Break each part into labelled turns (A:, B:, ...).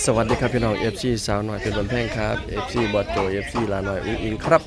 A: สวัสดีครับพี่น้อง FC สาวหน่อยเป็นบนแพงครับ FC บอสโจ FC ลาหน่อยอุ้งอิงครับ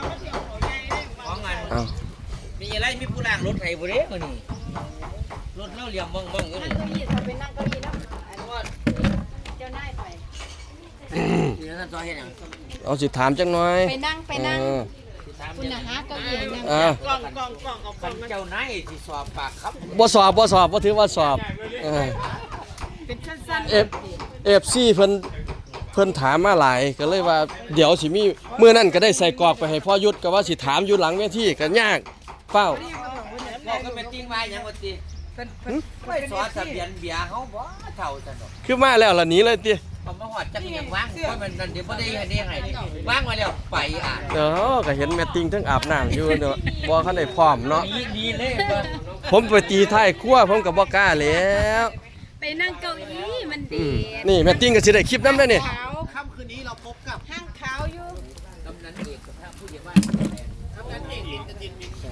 A: อ้าว
B: มีอะไรมีผู้ล่างรถไถบ่เด้มื้อนี้รถเล่าเหลี่ยมบ้องๆอยู่นี่
C: ไปนั่งเก้าอี้แล้วเจ้านายไป
B: นี่ท่านซอยเฮ็ดหยัง
A: เอาสิถามจังหน่อย
C: ไปนั่งคุณน่ะหาเก้าอี้นั่ง
B: กล้องเอากล้องเจ้านายสิสอบปากครับ
A: บ่สอบบ่ถือว่าสอบ
C: เป็นสั้น
A: FC เพิ่นถามมาหลายก็เลยว่าเดี๋ยวสิมีมื้อนั้นก็ได้ใส่กรอกไปให้พ่อยุทธก็ว่าสิถามอยู่หลังเวทีก็ยากเฝ้า
B: บอกก็แม่ติ้งว่าหยังว่าติไปสอนทะเบียนเบียร์เฮาบ่เท่าซั่นดอก
A: คือมาแล้วล่ะหนีเลยติ
B: พอมาฮอดจักยังวางเพราะมันนั่นเดี๋ยวบ่ได้ให้วางมาแล้วไป
A: ก็เห็นแม่ติ้งทั้งอาบน้ำอยู่เนาะบ่คันได้พร้อมเนาะ
B: ดีเลย
A: ผมไปตีท้ายครัวผมก็บ่กล้าแล้ว
C: ไปนั่งเก้าอี้มันดี
A: นี่แม่ติ้งก็สิได้คลิปนำได้นี่
B: ค่ำคืนนี้เราพบกับ
C: ห้างขาวอยู่
B: กำนันเอกกับผู้ใหญ่บ้านกำนันเอกจิน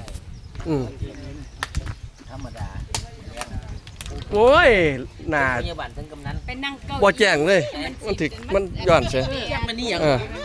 B: ธรรมดา
A: โอ้ยหน้า
B: ผู้ใหญ่บ้านทั้งกำนัน
C: ไปนั่งเก้า
A: บ่แจ้งเลยมันถึกมันย้อนเสีย
B: มันนี่หยัง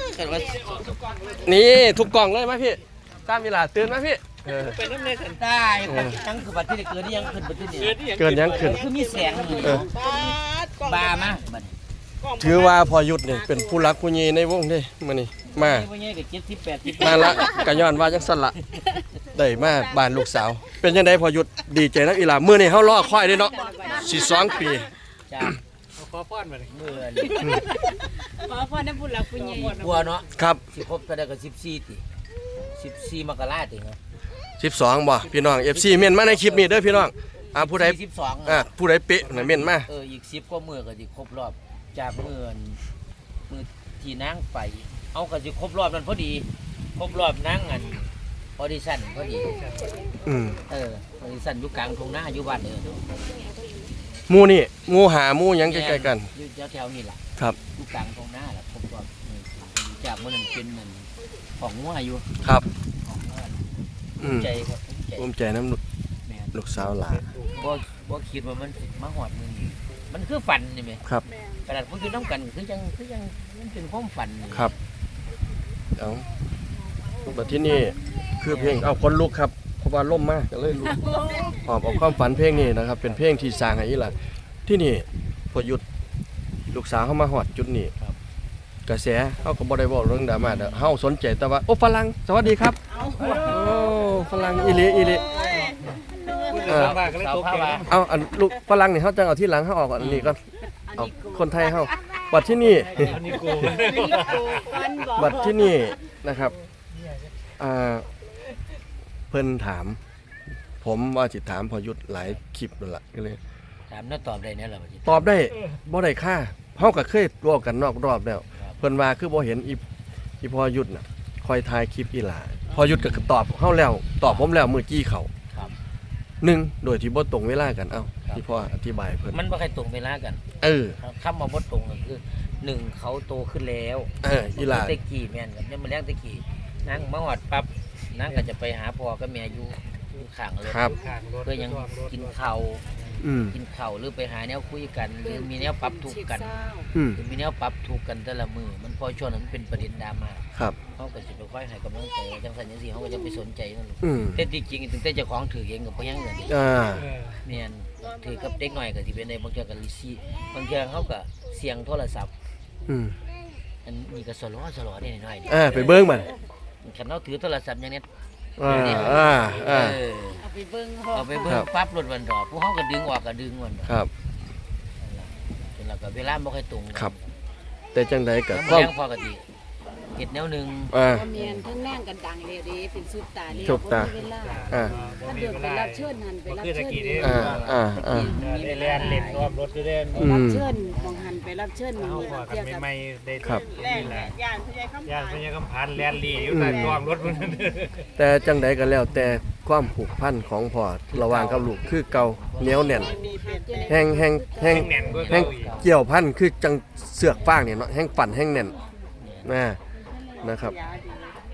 A: นี่ทุกกล่องเลยมาพี่ตามเวลาตื่นมาพี่
B: เป็นน้ำในสันได้จังคือบัดที่เกิดยังขึ้นบัดที่นี่
A: เกินยังขึ้น
B: คือมีแสงบามาบัด
A: ถือว่าพอยุทธนี่เป็นผู้รักผู้ใหญ่ในวงเด้มื้อนี้มา
B: ผู้ใหญ่ก็70 80
A: มาละก็ย้อนว่าจังซั่นล่ะได้มาบ้านลูกสาวเป็นจังได๋พอยุทธดีใจนักอีหลามื้อนี้เฮารอคอยเด้เนาะสิ2ปี
B: จ้าขอพรมามื้อ
C: ขอพรนำผู้รักผู้ใหญ่
B: บัวเนาะ
A: ครับ
B: สิครบเท่าใดก็14ติ14มกราคมติเนาะ
A: 12บ่พี่น้อง FC เม่นมาในคลิปนี้เด้อพี่น้องผู้ใด
B: 12
A: ผู้ใดเป๊ะน่ะเม่นมา
B: อีก10กว่ามื้อก็สิครบรอบจากมื้อที่นางไปเอาก็สิครบรอบนั้นพอดีครบรอบนางอันออดิชั่นพอดีออดิชั่นอยู่กลางทุ่งนาอยู่บ้าน
A: หมู่นี่หมู่หาหมู่หยังใกล้ๆกัน
B: อยู่แถวๆนี่ล่ะ
A: ครับ
B: อยู่กลางทุ่งนาล่ะครบรอบจากมื้อนั้นเป็นมันของงัวอยู่
A: ครับ
B: ใจครับ
A: ภูมิใจน้ำลูกสาวหลาน
B: บ่คิดว่ามันมาหอดมึงมันคือฝันนี่ไหม
A: ครับ
B: ขนาดพวกอยู่น้ำกันคือยังมันเป็นความฝัน
A: ครับเอาแบบที่นี่คือเพลงเอาคนลุกครับเพราะว่าล่มมากก็เลยลุกหอบเอาความฝันเพลงนี้นะครับเป็นเพลงที่สร้างให้อีหล่ะที่นี่พอหยุดลูกสาวเข้ามาหอดจุดนี้กระแสเขาก็บ่ได้บอกเรื่องดราม่าเด้อเฮาสนใจแต่ว่าโอ้ฝรั่งสวัสดีครับโอ้ฝรั่งอีหลีเอาอันลูกฝรั่งนี่เขาจะเอาที่หลังเขาออกอันนี้ก็เอาคนไทยเขาบัดที่นี่บัดที่นี่นะครับเพิ่นถามผมว่าสิถามพอยุทธหลายคลิปนั่นแหละก็เลย
B: ถามแล้วตอบได้เนี่ยหรอ
A: ตอบได้บ่ได้ค่าเฮาก็เคยรอบกันนอกรอบแล้วเพิ่นว่าคือบ่เห็นอีพอยุทธน่ะคอยถ่ายคลิปอีหลาพอยุทธก็ตอบเฮาแล้วตอบผมแล้วมื้อกี้เขา1โดยที่บ่ตรงเวลากันที่พ่ออธิบายเพิ่น
B: มันบ่ค่อยตรงเวลากันคำว่าบ่ตรงก็คือ1เขาโตขึ้นแล้ว
A: อีหลา
B: ตะกี้แม่นกับเนี่ยมันแรงตะกี้นางมาฮอดปั๊บนางก็จะไปหาพ่อกับแม่อยู่ข้างรถเพื่อยังกินข้าวหรือไปหาแนวคุยกันหรือมีแนวปรับทุกข์กันมีแนวปรับทุกข์กันแต่ละมือมันพอช่วงนั้นเป็นประเด็นดราม่าเขาก็จะไปค่อยให้กำลังใจจังสันจังสีเขาก็จะไปสนใจนั่นแต่จริงๆถึงแต่เจ้าของถือเองกับพยังเงินเนี่ยถือกับเด็กหน่อยก็ที่เป็นในบางเจ้ากับลิซี่บางเจ้าเขาก็เสียงโทรศัพท์อันนี้ก็สล้อนี่หน่อย
A: ไปเบิ้งมัน
B: ขันเขาถือโทรศัพท์อย่างนี้
C: เอาไปเบิ้ง
B: ปั๊บรถวันดอกพวกเขาก็ดึงออกก็ดึงวัน
A: ครับ
B: แล้วก็เวลาไม่ค่อยตรง
A: ครับแต่จังใดกับ
B: ก็ปกติเห็ดแนวหนึ่ง
C: เมียนทั้งแน่งกันดังเลยดีเป็นซุปตาเลย
A: เวลา
C: ถ้าเดือดไปรับเชิญหันไปรับเชิญ
D: มีเล่นเล่นรอบรถเล่น
C: รับเชิญของหันไปรับเชิญมี
D: เกี่ยวกับไม่ได้ครับย่านพญาคำพันแลนลี่อยู่ในรอบรถ
A: แต่จังใดกันแล้วแต่ความผูกพันของพ่อระหว่างกับลูกคือเก่าเหนียวแน่นแห้งเกี่ยวพันคือจังเสือกฟางเนี่ยเนาะแห้งปั่นแห้งแน่นนะครับ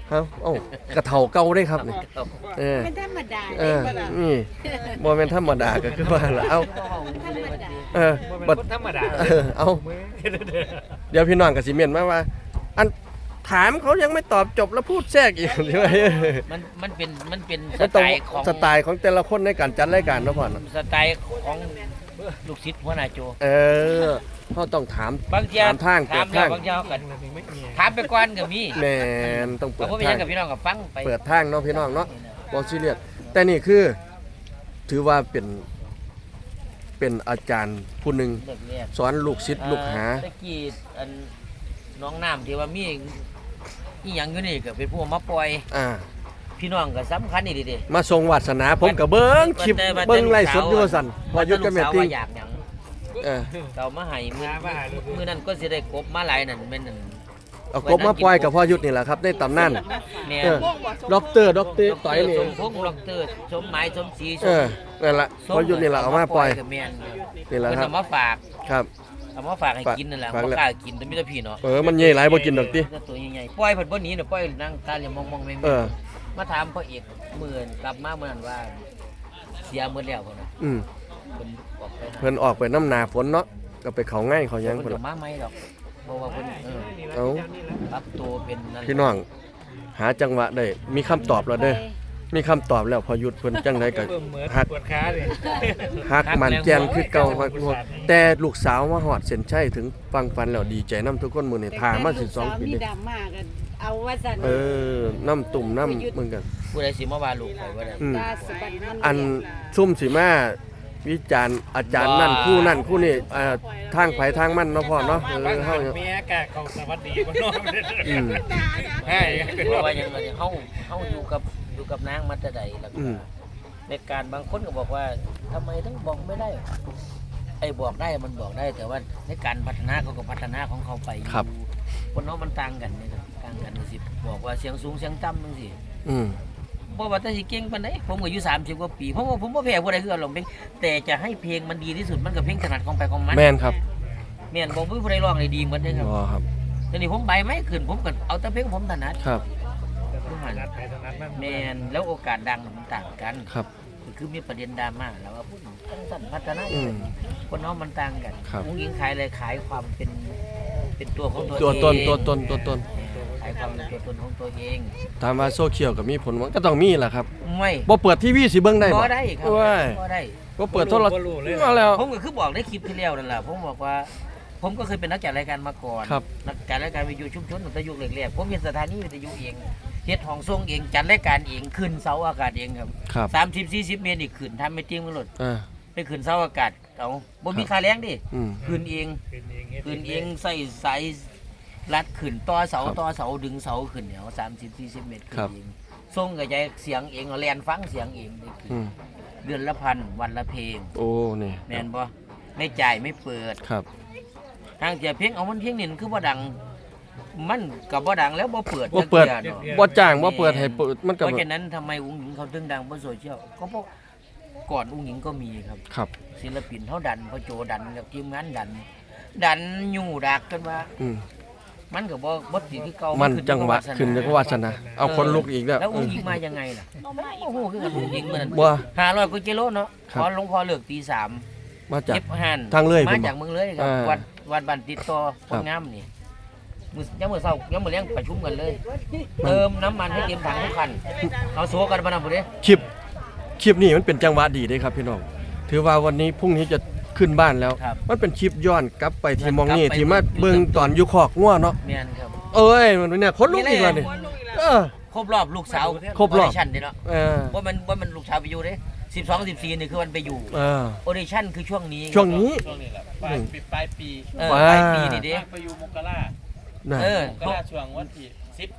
A: ฮะเอ้ากระเฒ่าเก่าเด้ครับนี่เออ
C: ไม่ธรรมดา
A: เอ
C: เด้
A: อ
C: บ่ล่ะ
A: นี่บ่แม่นธรรมดาก็คือว่าล่ะเอ้า
C: ธรรมดา
A: เออ
D: บ่
A: บั
D: เป็น
A: ด
D: คนธรรมดา
A: เอ้า
D: มือ
A: เดี๋ยวพี่น้องก็สิเม่นมาว่า อันถามเขายังไม่ตอบจบแล้วพูดแทรกอีก ใช่ไหม
B: มันเป็นส
A: มัน
B: ไต
A: ต้อง
B: ล์ของ
A: สไตล์ของแต่ละคนในการจัดรายการเนาะพ่อเนาะ
B: สไตล์ของลูกศิษย์หัวหน้าโจ
A: เออเขาต้องถาม
B: บางที
A: ถามทางเปิ
B: ถาม
A: ด
B: แล้
A: ทาว ง
B: บางทีเขาก็
D: ไม่มี
B: ถามไปก่อนก็มี
A: แม่นต้องเปิ
B: แต่
A: ด
B: ผมไป
A: ทา
B: ยัง
A: ง
B: กับพี่น้องกับฟังไป
A: เปิดทางเนาะพี่น้องเนาะบ่ซีเรียสแต่นี่คือ ถือว่าเป็นอาจารย์ผู้หนึ่ง
B: เลิกเรียน
A: สอนลูกศิษย์ลูกหา
B: ตะกี้อันน้องน้ำที่ว่ามีอีหยังอยู่นี่ก็เป็นผู้มาปล่อย
A: อ่า
B: พี่น้องก็สำคัญนี่ดิ
A: มาทรงวาสนาผมกับเบิ้งคลิปเบิ้งไล่สดอยู่ว่าสั่นพอยุดกับแม่ติ้ง
B: อยากหยัง
A: เออ
B: เก่ามาให้มื้อนั้นก็สิได้กบมาหลายนั่นแม่นนั่น
A: เอากบมาปล่อยกับพ่อยุทธนี่แหละครับในตำนาน
B: แม่
A: เออด็อกเตอร์ต่อยนี่
B: สมพงษ์ดอกเตอร์สมหมายสมศรี
A: เออนั่นล่ะพ่อยุทธนี่แหละเอามาปล่อย
B: กับแม่น
A: นี่แหละ
B: เพิ่น
A: ครับ
B: เอามาฝาก
A: ครับ
B: เอามาฝากให้กินนั่นแหละ
A: ฝาก
B: บ่
A: แล้ว
B: กล้ากินแต่มีแต่พี่เนาะ
A: มันใหญ่หลายบ่กินดอกติ
B: ตัวใหญ่ๆปล่อยเพิ่นบ่หนีน่ะปล่อยนั่งตาเหลี่ยมมองๆแม่ง
A: เออ
B: มาถามพ่อเอกมื้อกลับมามื้อนั้นว่าเสียหมดแล้วพุ่นน่ะ
A: อืม
B: เพิ่นออกไปหา
A: เพิ่นออกไปน้ำหนาฝนเนาะก็ไปเขาง่ายเขาหยัง
B: เพิ่
A: พุ่
B: น
A: น
B: ก็
A: ล่ะ
B: มาใหม่ดอกเพราะว่าเพิ่น
A: เอ้า
B: ปรับตัวเป็นนั่น
A: พี่น้อง หาจังหวะได้มีคำตอบแล้วเด้อมีคำตอบแล้วพอยุทธเพิ่นจังไดก็
D: เบิ่มเหมือน
A: ฮัก
D: ปวดขาเลย
A: ฮักมันแจนคือเก่าฮักพวกแต่ลูกสาวมาฮอดเส้นชัยถึงฟังฟันแล้วดีใจนํทุกคนมื้อนี้ทามา12ปี
C: มี
A: นี่
C: ดราม่ากันเอาว่าซั่น
A: เออน้ำตุ่มน้ำมึงกัน
B: ผู้ใดสิมาว่าลูกข่อยว่าได้
A: อืม
C: ตาสะบัดมัน
A: อันซุ่มสิมาวิจารณ์อาจารย์นั่นคู่นั่นคู่นี่ทางไผทางมันเนาะพ่อเนาะเออเฮา
D: เมียกะเขาสวัสดีบ่น้อง
A: อืม
D: ใช่
B: เพราะว่าอย่างไรเฮาอยู่กับนางมาแต่ใดแล้วก็
A: อืม
B: ในการบางคนก็บอกว่าทำไมถึงบอกไม่ได้ไอ้บอกได้มันบอกได้แต่ว่าในการพัฒนาเขาก็พัฒนาของเขาไปอยู่คนเนาะมันต่างกันนี่ครับต่างกันสิบอกว่าเสียงสูงเสียงต่ำจังซี่
A: อืม
B: บ่ว่าแต่สิเก่งปานใดผมก็อายุ30กว่าปีผมบ่แพ้ผู้ใดคือร้องเพลงแต่จะให้เพลงมันดีที่สุดมันก็เพลงถนัดของไปของมัน
A: แม่นครับ
B: แม่นบ่มีผู้ใดร้องได้ดีเหมือนเด้ครับ
A: รอครับ
B: ทีนี้ผมใบไม้ขึ้นผมก็เอาแต่เพลงผมถนัด
A: ครับ
D: นัดไปตรงนั้นมัน
B: แม่นแล้วโอกาสดังมันต่างกัน
A: ครับ
B: คือมีประเด็นดราม่าแล้วว่าพูดทั้งสั้นพัฒนา
A: อืม
B: คนน้องมันต่างกัน
A: ครับ
B: ผู้หญิงขายอะไรขายความเป็นตัวของตัว
A: ตัว
B: เอง
A: ตนตัวตนตัวตน
B: ขายความเป็นตัวตนของตัวเอง
A: ถามว่าโซเชียลก็มีผลมันก็ต้องมีล่ะครับ
B: ไม่
A: บ่เปิดทีวีสิเบิ่งได้
B: บ่ได้ครับ
A: ว้าย
B: บ่ได้
A: บ่เปิดโทรทัศน์มาแล้ว
B: ผมก็คือบอกในคลิปที่แล้วนั่นแหละผมบอกว่า ผมก็เคยเป็นนักจัดรายการมาก่อน
A: ครับ
B: นักจัดรายการวิทยุชุมชนตั้งแต่ยุคแรกๆผมเห็นสถานีวิทยุเองเฮ็ดห้องส่งเองจัดรายการเองขึ้นเสาอากาศเองครับ
A: ครับ
B: 30-40 เมตรนี่ขึ้นทำไม่จริงมันหลด
A: อ่า
B: ไปขึ้นเสาอากาศเอาบ่มีค่าแรงดิ
A: อืม
B: ขึ้นเอง
D: ขึ้นเอง
B: ขึ้นเองใส่สายรัดขึ้นต่อเสา
A: ครับ
B: ต่อเสาดึงเสาขึ้นเนี่ย30-40 เมตรขึ้
A: ครั
B: น
A: บ
B: เองส่งกระจายเสียงเองเอาแลนฟังเสียงเองได้ขึ้น
A: อืม
B: เดือนละพันวันละเพลง
A: โอ้นี่
B: แม่นบ่ไม่จ่ายไม่เปิด
A: ครับ
B: ทางเสียเพลงเอามันเพลงนี่มันคือบ่ดัง มันก็บ่ดังแล้วบ่เปิด
A: บ่เปิด
B: จักทื่อเนาะ
A: บ่จ้างบ่เปิดให้เปิดมัน
B: เพ
A: ก็
B: ราะฉะนั้นทำไมอุ้งหญิงเขาถึงดังบนโซเชียลก็เพราะก่อนอุ้งหญิงก็มีครับ
A: ครับ
B: ศิลปินเขาดันพอโจดันกับทีมงานดันอยู่ดักกันว่า
A: อืม
B: มันก็บ่ติดคือเก่า
A: มั
B: มัน
A: จังหวะขึ้นจังหวะสนะเอาคนลุกอีกแล้ว
B: แล้ว
A: อื
B: อุ้ง
A: ม
B: หญิงมายังไงล่ะโอ้โหคือกันอุ้งหญิงมัน
A: บ่
B: 500กว่ากิโลเนาะ
A: ครับ
B: ขอหลวงพ่อเลิกตี
A: มา
B: 3
A: จาก
B: เก็บหัน
A: ทางเลย
B: มา
A: ผมบอก
B: จากเมืองเลยครับ
A: อ่า
B: วัดบ้านติดต่อค
A: ครั
B: น
A: บ
B: งามนี่ยังมื้อเช้ายังมื้อแลงประชุมกันเลย เติมน้ำมันให้เต็มถังทุกคันเอาโซกันมานำพุ่นเด้
A: คลิปนี้มันเป็นจังหวะดีเด้ครับพี่น้องถือว่าวันนี้พรุ่งนี้จะขึ้นบ้านแล้ว
B: ครับ
A: มันเป็นคลิปย้อนกลับไปที่มองนี่
B: กลับไป
A: ที่มาเบิ่งตอนอยู่คอกงัวเนาะ
B: แม่นครับ
A: เอ้ยมันเนี่ยคนลุกอีกแล้วนี่เออ
B: ครบรอบลูกสาว
A: ครบรอบ
B: ออดิชั่นเด้เนาะ
A: เออ
B: ว่ามันลูกสาวไปอยู่เด้12 14นี่คือวันไปอยู่
A: เออ
B: ออดิชั่นคือช่วงนี้
A: ช่วงนี้
E: ช่วงนี้แหละปลายปีปลายปี
B: เออ
A: ว้า
B: ปลายปีนี่เด้
E: ไปอยู่มกรา
A: น่ะ
B: เออ
E: มกราช่วงวันที่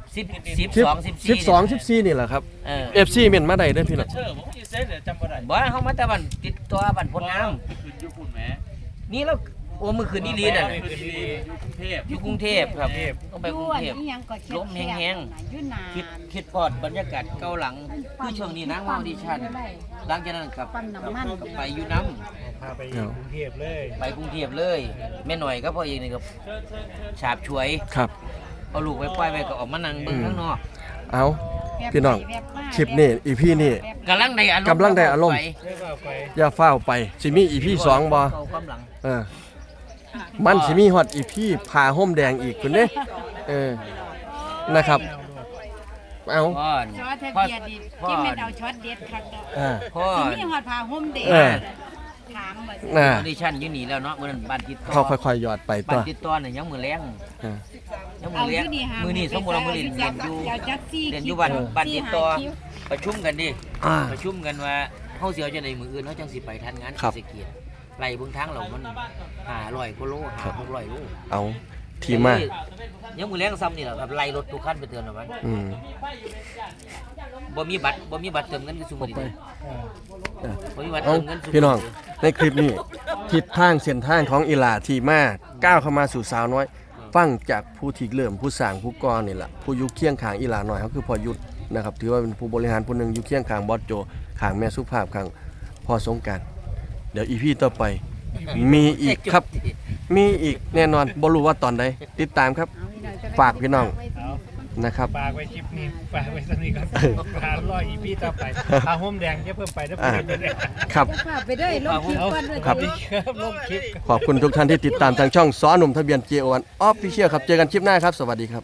B: 12
A: 14นี่แหละครับ
B: เออ
A: FC เม่นมาได้เด้อพี่น้อง
E: เชื่อผมอยู่เซ่เดี๋ยวจำบ่ได้
B: บ่เฮามาแต่บ้านติดตัวบ้านพลงาม
E: คืนอยู่ปุ่นแหม
B: นี่แล้วโอ้มื้อคืนนี่ลีน่ะ
E: คืนดีอยู่กรุงเทพ
B: อยู่กรุงเทพครับต้องไปกรุงเทพ
C: อีหยังก็แคบๆ
B: ลมแห้งๆ
C: น่ะอยู่นาน
B: คิดพอดบรรยากาศเก่าหลังคือช่วงนี้นางมาออดิชั่นหลังจากนั้นกับ
C: ปั๊มน้ำมัน
B: ไปอยู่น้
D: พาไปกรุงเทพเลย
B: ำไปกรุงเทพเลยแม่หน่อยก็พ่อเองนี่ก็ฉาบฉวย
A: ครับ
B: เอาลูกไปปล่อยไปก็ออกมานั่งเบิ่งข้างนอก
A: เอาพี่น้องคลิปนี้อีพีนี้
B: กำลังในอารมณ์
A: กำลังได้อารมณ์
B: ไป
D: เรียกว่าไป
A: อย่าเฝ้าวไปสิมีอีพี2บ่
B: เข้าความหลัง
A: เออมันสิมีฮอดอีพีผ่าห่มแดงอีกคุณเด้นะครับเอา
B: พ่อ
C: ช็อตทะเบียนดิที่แม่นเอาช็อตเด็ดคักเนาะ
A: อ่า
B: พ่อ
C: สิมีฮอดผ้าห่มเด็ด
A: เออ
C: ถามว่า
B: ออดิชั่นอยู่นี่แล้วเนาะมื้อนั้นบ้านติดต่อ
A: เขาค่อยๆหยอดไป
B: บ้า
A: ตั
B: น
A: ว
B: ติดต่อน่ะยังมื้อแลง
A: อ่า
B: ยัง
C: เอา
B: มื้อแล
C: อง ยู่นี่หา
B: มื้อนี้สมมุติว่ามื้อนี้เรียนอยู่
C: เอาจักซี่
B: เรียนอยู่บ้านติดต่อ
C: คิว
B: ประชุมกันดิ
A: อ่า
B: ประชุมกันว่าเฮาสิเอาจังได๋มื้ออื่นเฮาจังสิไปทันงาน
A: ครับ
B: เศรษฐกิจไล่เบิ่งทางเรามัน500กว่าโล600โล
A: เอาทีมา
B: ยังมื้อแลงซ้ำนี่แหละครับไล่รถทุกคันไปเตือนแล้วมัน
A: อืม
B: บ่มีบัตรเติมเงินคือซุมื้อนี้
A: เออ
B: บ่มีบัตร
A: เอา
B: เติมเงินซุมื้
A: พี่น้องในคลิปนี้ทิศทางเส้นทางของอีหลาที่มาก้าวเข้ามาสู่สาวน้อย ฟังจากผู้ที่เริ่มผู้สร้างผู้ก่อนี่แหละผู้อยู่เคียงข้างอีหลาหน่อยเขาคือพอยุทธนะครับถือว่าเป็นผู้บริหารผู้หนึ่งอยู่เคียงข้างบอสโจข้างแม่สุภาพข้างพ่อสงกรารเดี๋ยวอีพีต่อไปมีอีกครับ มีอีกแน่นอนบ่รู้ว่าตอนใดติดตามครับ ฝากพี่น้อง
D: เอา
A: นะครับ
D: ฝากไว้คลิปนี้ฝากไว้สักนิดก่อนหารออีพีต่อไปผ้าห่มแดงจะเพิ่มไปถ้าเพิ่มไปเลย
A: ครับ
C: ฝากไปด้วยลงคลิปก่อนด้วย
A: ครับ
D: ดีครับลงคลิป
A: ขอบคุณทุกท่านที่ติดตามทางช่องซ้อหนุ่มทะเบียน JO1 Official ครับเจอกันคลิปหน้าครับสวัสดีครับ